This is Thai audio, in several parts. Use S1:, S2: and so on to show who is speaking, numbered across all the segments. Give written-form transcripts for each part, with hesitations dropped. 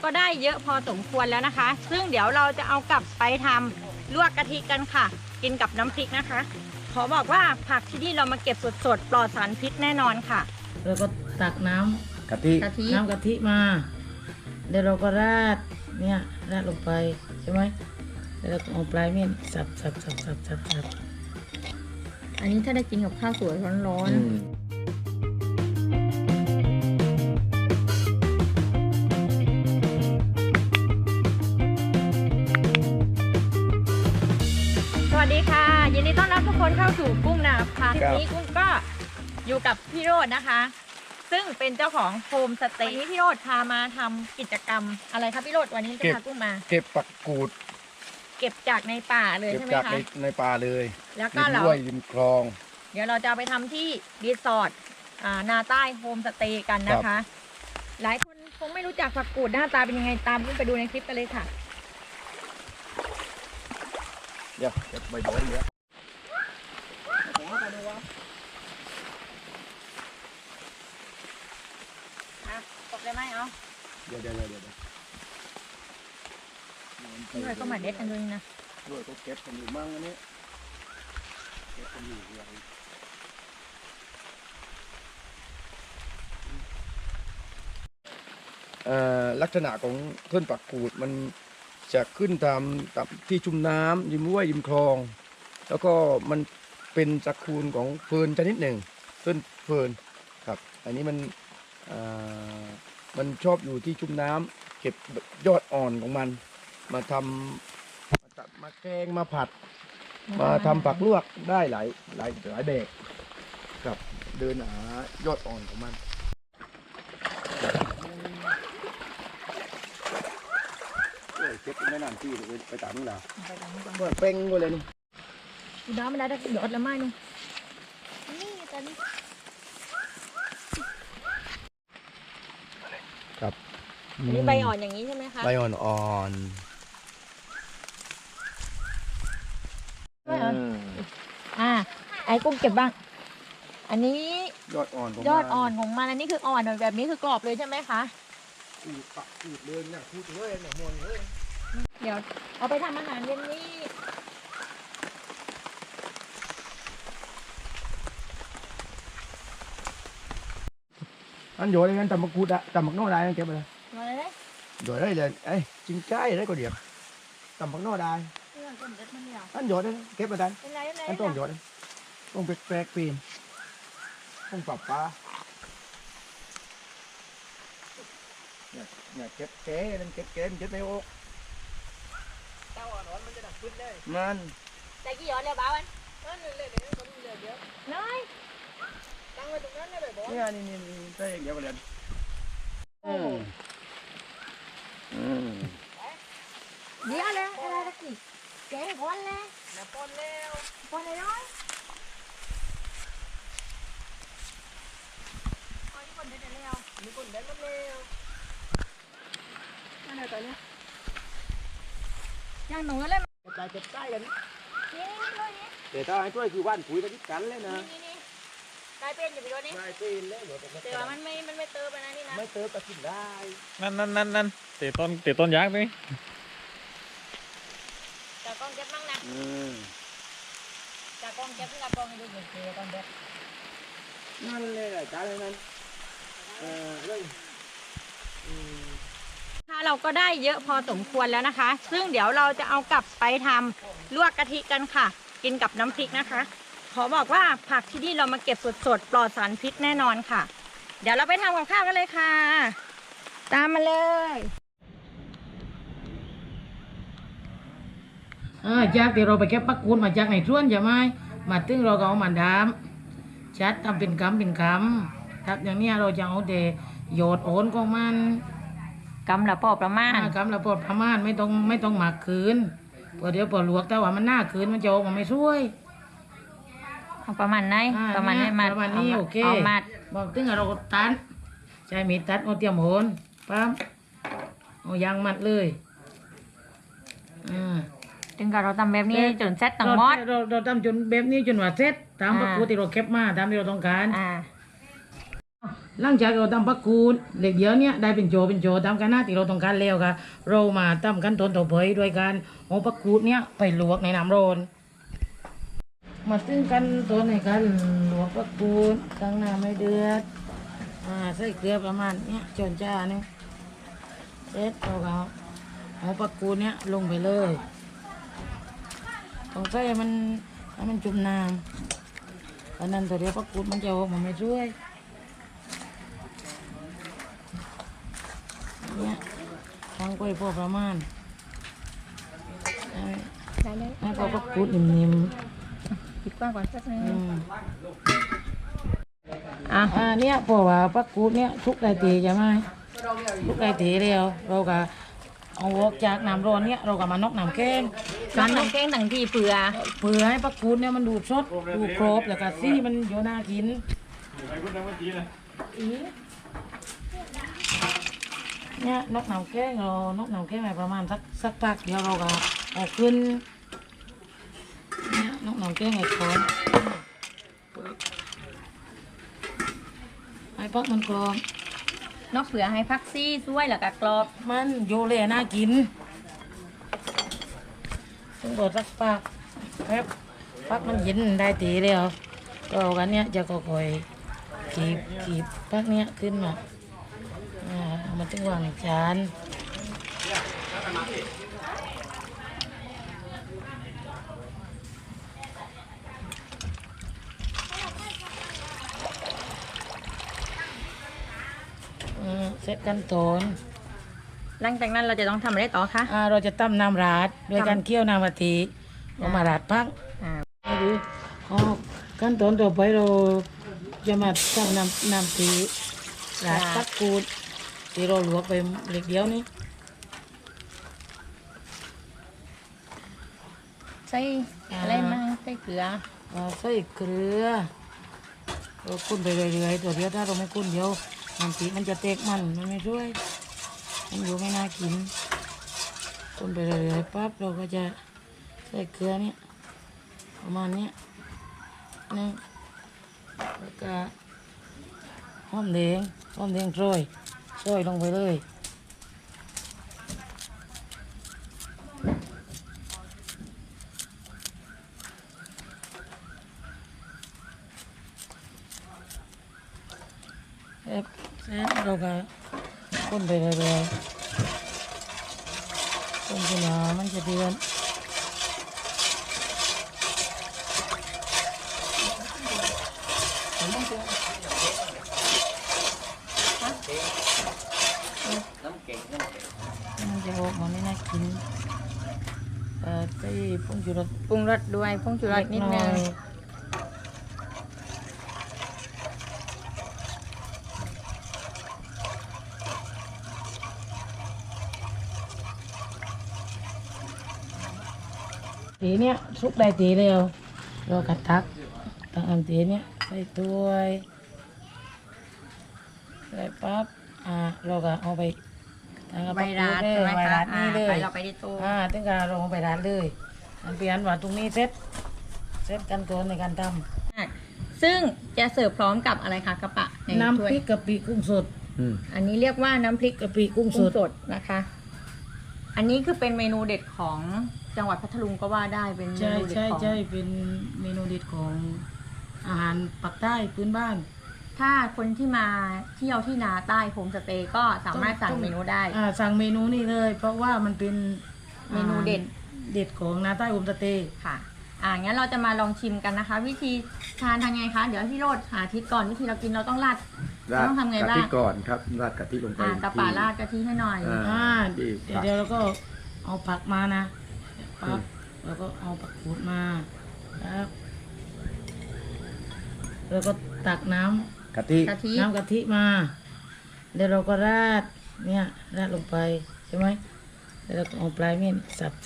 S1: ก็ได้เยอะพอสมควรแล้วนะคะซึ่งเดี๋ยวเราจะเอากลับไปทำลวกกะทิกันค่ะกินกับน้ำพริกนะคะขอบอกว่าผักที่นี่เรามาเก็บสดๆปลอดสารพิษแน่นอนค่ะ
S2: แล้วก็ตักน้ำ
S3: กะทิ
S2: น้ำกะทิมาเดี๋ยวเราก็ราดเนี่ยราดลงไปใช่ไหมแล้วเราก็เอาปลายมีดสับ
S1: อันนี้ถ้าได้กินกับข้าวสวยร้อนสวัสดีค่ะยินดีต้อนรับทุกคนเข้าสู่กุ้งนาพาทีนี้กุ้งก็อยู่กับพี่โรจน์นะคะ ซึ่งเป็นเจ้าของโฮมสเตย์วันนี้พี่โรจน์พามาทำกิจกรรมอะไรครับพี่โรจน์วันนี้จะพากุ้งมา
S3: เก็บปักกูด
S1: เก็บจากในป่าเลยใช่ไหมคะ
S3: เก็บจากในป่าเลย
S1: แล้วก็เรา
S3: ริมคลอง
S1: เดี๋ยวเราจะเอาไปทำที่รีสอร์ทนาใต้โฮมสเตย์กันนะคะหลายคนคงไม่รู้จักผักกูดหน้าตาเป็นยังไงตามกุ้งไปดูในคลิปกันเลยค่ะ
S3: เดี๋ยวเก็บใบโดนเดี๋ยว
S1: ตกเลยไหมเอา
S3: เดี๋ยว
S1: นี่เลยก็มาเด็ดกันด้วยนะ
S3: ด้วยก็เก็บกันอยู่มั่งอันนี้เก็บกันอยู่อะไรลักษณะของต้นปักกูดมันจะขึ้นตามที่ชุ่มน้ำริมห้วยริมคลอง แล้วก็มันเป็นตระกูลของเฟิร์นชนิดหนึ่งต้นเฟิร์นครับอันนี้มันชอบอยู่ที่ชุ่มน้ำเก็บยอดอ่อนของมันมาทำมาแกงมาผัดมาทำผักลวกได้หลายแบบครับเดินหายอดอ่อนของมันเก็บไม่นานที่ไปตามนี่แหละเปิดเป้งไปเลยนี่
S1: น้ำไม่ได้ได้หยดแล้วไม่นี่ตอนนี้
S3: ครับ
S1: อันนี้ใบอ่อนอย่างนี้ใช่ไหมคะ
S3: ใบอ่อน
S1: ไอ้กุ้งเก็บบ้างอันนี้
S3: ยอดอ่อน
S1: ของมันอันนี้คืออ่อนแบบนี้คือกรอบเลยใช่ไหมคะ
S3: อูดเลยเนี่ยพูดเลยเนี่ยมวนเลย
S1: เดี๋ยวเอาไปทำอาหารเย็นนี้
S3: อันโยนเลยกันตำมะกรูดอะตำมะนาวได้เก็บไปเลยโยนได้เลยไอ้จิ้งไก่ได้ก็เดียวตำมะนาวได้อันโยนได้เก็บไปได้อันต้องโยนต้องแปลกปีนต้องปรับปลาเนี่ยเก็บแก่นั่นเก็บในโอ๊กเต้าอ่อนมันจะดักขึ้นได้มัน
S1: ใจกี่หยอดเลยบ้าวันนั่นเลยเดี๋ยวเดี๋ยวน้อยตั้งไว้ตรงนั้นได้บ่
S3: เนี่ยนี่ใช่เดี๋ยวกันเลย
S1: เดี๋ยวเลยอะไรตะกี้แกงก้อนเลยก้อนเลยน้อยนี่คนเด็ดแล้วนี่คนเด็ดแล้วนั่นอะไรตัวเนี้ยย่างหนูเลย
S3: เก็บใต้กัน
S1: นี่เลยนี่
S3: แต่ถ้าให้ช่วยคือว่านปุ๋ยตะกี้กันเลยนะ
S1: นี่กลายเป็นอยู่ไปด้วยนี่
S3: กลายเป็นเลย
S1: แต่ว่ามันไม่เติมไปนะนี่นะ
S3: ไม่เติมแต่กินได้
S4: นั่นเตะต้นยักษ์นี่
S1: จากกองเก็บมั่งนะจากกองเก็บที่จากกองดูเหมือนกองเก็บ
S3: นั่นเลยแหละจ้าเลยนั่นเลย
S1: เราก็ได้เยอะพอสมควรแล้วนะคะซึ่งเดี๋ยวเราจะเอากลับไปทำลวกกะทิกันค่ะกินกับน้ำพริกนะคะขอบอกว่าผักที่นี่เรามาเก็บสดๆปลอดสารพิษแน่นอนค่ะเดี๋ยวเราไปทำกับข้าวกันเลยค่ะตามมาเลย
S2: จากที่เราไปเก็บปักกูดมาจากในสวนใช่ไหมมาถึงเราก็เอามาดำชัดทำเป็นคำทับอย่างนี้เราจะเอาแต่โยดโอนของมัน
S1: กำละพอประมาณ
S2: ไม่ต้องหมักคืนเพราะเดี๋ยวพอลวกแต่ว่ามันหน้าคืนมันจะออกมาไม่ช่วย
S1: ประมาณไหนประมาณ
S2: นี้โอเค
S1: เอามัด
S2: บอกถึงเราก็ตัดใช้มีดตัดเอาเตรียมโหนปั๊มเอายางมัดเลย
S1: ถึงกับเราทำแบบนี้จนเซ็ตตั้งมอด
S2: เราทำจนแบบนี้จนว่าเซ็ตตามประตูที่เราเก็บมาตามที่เราต้องการหลังจากเราทำปักกูดเด็กเดียวเนี้ยได้เป็นโจตามกันหน้าที่เราต้องการแล้วค่ะเรามาทำขั้นตอนต่อไปด้วยการเอาปักกูดเนี้ยไปลวกในน้ำร้อนมาถึงขั้นตอนในการลวกปักกูดตั้งน้ำให้เดือดใส่เกลือประมาณเนี้ยจนจ้านี่เสร็จเราก็เอาปักกูดเนี้ยลงไปเลยต้องใส่ให้มันจุ่มน้ำเพราะนั้นตัวเดียวปักกูดมันจะออกมาไม่ช่วยเนี่ยทั้งกล้วยพอประมาณให้พอปักกูดนิ่ม
S1: ปิดกว้างก่อนสักนิด
S2: ๆ
S1: นึงอ่ะ
S2: เนี่ยพอว่าปักกูดเนี่ยทุกได้ตีใช่ไหมทุกได้ตีแล้วเราก็เอาออกจากน้ำร้อนเนี่ยเราก็มานอกน้ำแกง
S1: การน้ำแกงต่างที่เปลือ
S2: เพื่อให้ปักกูดเนี่ยมันดูดสดดูครบแล้วก็ซี่มันโยน่ากินเนี่ยนอกน้ำแกงเรานอกน้ำแกงไปประมาณสักพักเดียวเราก็เอาขึ้นเนี่ยนอกน้ำแกงไอ้คอนไอ้ปักมันกรอบ
S1: นอกเปลือให้พักซี่ช่วยแล้วก็กรอบ
S2: มันโยเลยน่ากินต้องรอสักปักแป๊บปักมันเย็นได้ตีแล้วก็เอากันเนี้ยจะก็คอยขีบปักเนี้ยขึ้นมาเอามาถึงวางในจานเสร็จขั้นตอน
S1: หลังจากนั้นเราจะต้องทำอะไรต่อคะ
S2: เราจะตั้มน้ำราดโดยการเคี่ยวน้ำกะทิเอามาราดพัก
S1: อ่า
S2: ไม่รู้ขั้นตอนต่อไปเราจะมาตั้งน้ำตีราดปักกูดที่เราลวกไปเล็กเดียวนี้
S1: ใส่อะไรมั่งใส่เกลือ
S2: ใส่เกลือเราคุ้นไปเรื่อยๆตัวเดียวถ้าเราไม่คุ้นเดียวน้ำตีมันจะเตกมันไม่ช่วยมันอยู่ไม่น่ากินคุ้นไปเรื่อยๆปั๊บเราก็จะใส่เกลือเนี่ยประมาณเนี้ยนี่แล้วก็หอมแดงโรยลงไปเลยเสร็จเราก็คนไปเรื่อยๆคนจนมันจะเดือดมันจะออกมาไม่น่ากินใส่ผงชูรส
S1: ปรุงรสด้วยผงชูรสนิดนึง
S2: ตีเนี้ยซุกได้ตีเร็วเรากัดตักอันตีเนี้ยใส่ถ้วยใส่ปั๊บเราก็เอาไปทางกระ
S1: ใบ
S2: ปัก
S1: ราด
S2: เลย
S1: ใช่ไหม
S2: ใบ
S1: คะ
S2: ราดนี่เลย
S1: ไปเราไปที่ตู้
S2: ถึงการเราเอาไปราดเลยอันเปลี่ยนว่าตรงนี้เซ็ตกันตัวในการท
S1: ซึ่งจะเสิร์ฟพร้อมกับอะไรคะกระปะใน
S2: ำน้ำ
S1: ถ้ว
S2: พ
S1: ย
S2: ริกกะปิกุ้งสด
S1: อันนี้เรียกว่าน้ำพริก
S2: กะปิกุ้งส
S1: กุ้ง
S2: ด
S1: สดนะคะ อันนี้คือเป็นเมนูเด็ดของจังหวัดพัทลุงก็ว่าได้เป็นเม
S2: ใช่
S1: นูเด็ด
S2: ใช่
S1: ของ
S2: ใช่เป็นเมนูเด็ดของอาหารปักใต้พื้นบ้าน
S1: ถ้าคนที่มาเที่ยวที่นาใต้โฮมสเตย์ก็สามารถสั่งเมนูได้
S2: สั่งเมนูนี่เลย เพราะว่ามันเป็น
S1: เมนูเด็ด
S2: เด็ดของนาใต้อุมสเตย์
S1: ค่ะ งั้นเราจะมาลองชิมกันนะคะ วิธีทานทางไงคะ เดี๋ยวพี่โรดหาทิศก่อนวิธีเรากินเราต้องราด
S3: ราด
S1: ต้องทำไง
S3: กะ
S1: บ้า
S3: ทิ
S1: ง
S3: ก่อนครับราดกะทิลงไป
S1: กระป๋าราดกะทิให้หน่อย
S3: ที่
S2: เดี๋ยวเราก็เอาผักมานะปั๊บแล้วก็เอาผักขูดมาครับแล้วก็ตักน้ำ
S3: กะทิ
S1: กะทิ
S2: น้ำกะทิมาเดี๋ยวเราก็ราดเนี่ยราดลงไปใช่ไหมแล้วเราก็เอาปลายมีดสับ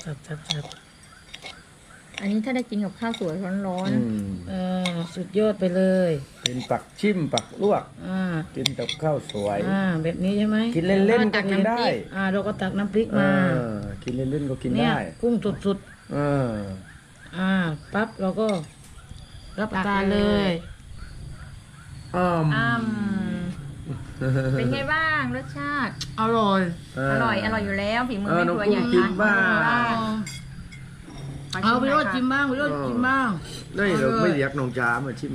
S1: อันนี้ถ้าได้กินกับข้าวสวยร้อน
S2: สุดยอดไปเลย
S3: เป็นปักชิมปักลวก
S2: อ่า
S3: กินกับข้าวสวย
S2: แบบนี้ใช่ไหม
S3: กินเล่นๆก็กินได้
S2: เราก็ตักน้ำพริกมา
S3: กินเล่นๆก็กิน
S2: เนี่ย
S3: ได้
S2: กุ้งสุด
S3: เออ
S2: ปั๊บเราก็รับประทานเลย
S1: ๆเป็นไงบ้างรสชาติ
S2: อร่อย
S1: อร่อยอยู่แล้วฝีมือ
S3: เออ
S1: แม่
S3: น้อง
S1: ครัว
S3: กุ้
S1: อง ย่าง
S3: กิ
S1: นั้น
S3: นบ้าง
S2: เอาไปรสชิมบ้างไปรสชิมบ้าง
S3: นี่เราไม่เรียกน้องจ๋ามาชิม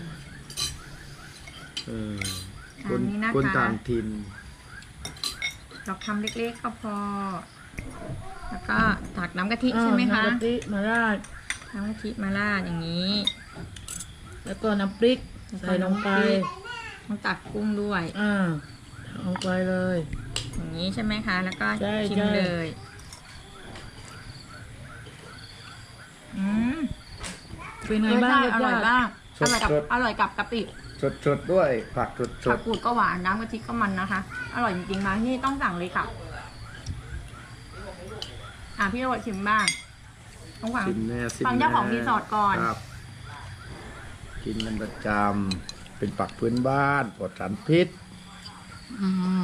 S3: คนต่างถิ่น
S1: เราทำเล็กๆก็พอ แล้วก็ตักน้ำกะทิใช่ไหมคะ
S2: น้ำกะทิมาราด
S1: น้ำกะทิมาราดอย่างนี้
S2: แล้วก็น้ำพริกใส่ลงไป
S1: ต้องตักกุ้งด้วย
S2: ลงไปเลย
S1: อย่างนี้ใช่ไหมคะ แล้วก็
S2: ใช่
S1: ชิม
S2: ใช่
S1: เลย
S2: เป็นไงบ้าง
S1: อร่อยมาก
S3: สดๆ
S1: อร่อยกับกะปิ
S3: สดๆด้วยผักส
S1: ผั
S3: ด
S1: กกูดก็หวานน้ำกะทิก็มันนะคะ อร่อยจริงๆมาที่นี่ต้องสั่งเลยค่ะพี่โรดชิมบ้างต้องฟัง
S3: ๆชิมแน่ชิม
S1: ฟังเจ้าของรีสอร์ทก่อน
S3: ครับกินกันประจำเป็นปักพื้นบ้านปลอดสารพิษ
S2: อืม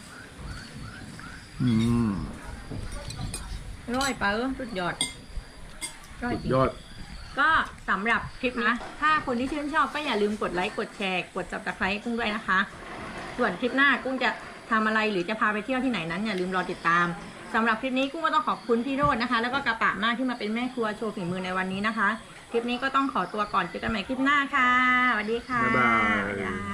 S1: อร่อยปะสุดยอดอร่อย
S3: สุด
S1: จริง
S3: ยอด
S1: ก็สำหรับคลิปนะ ถ้าคนที่ชื่นชอบก็อย่าลืมกดไลค์กดแชร์กดจับตะไคร้กุ้งด้วยนะคะ ส่วนคลิปหน้ากุ้งจะทำอะไรหรือจะพาไปเที่ยวที่ไหนนั้นอย่าลืมรอติดตามสำหรับคลิปนี้กุ้งก็ต้องขอบคุณพี่โรจน์นะคะ แล้วก็กระปะมากที่มาเป็นแม่ครัวโชว์ฝีมือในวันนี้นะคะ คลิปนี้ก็ต้องขอตัวก่อนเจอกันใหม่คลิปหน้าค่ะสวัสดีค่ะ
S3: บ๊ายบาย
S1: บ๊ายบาย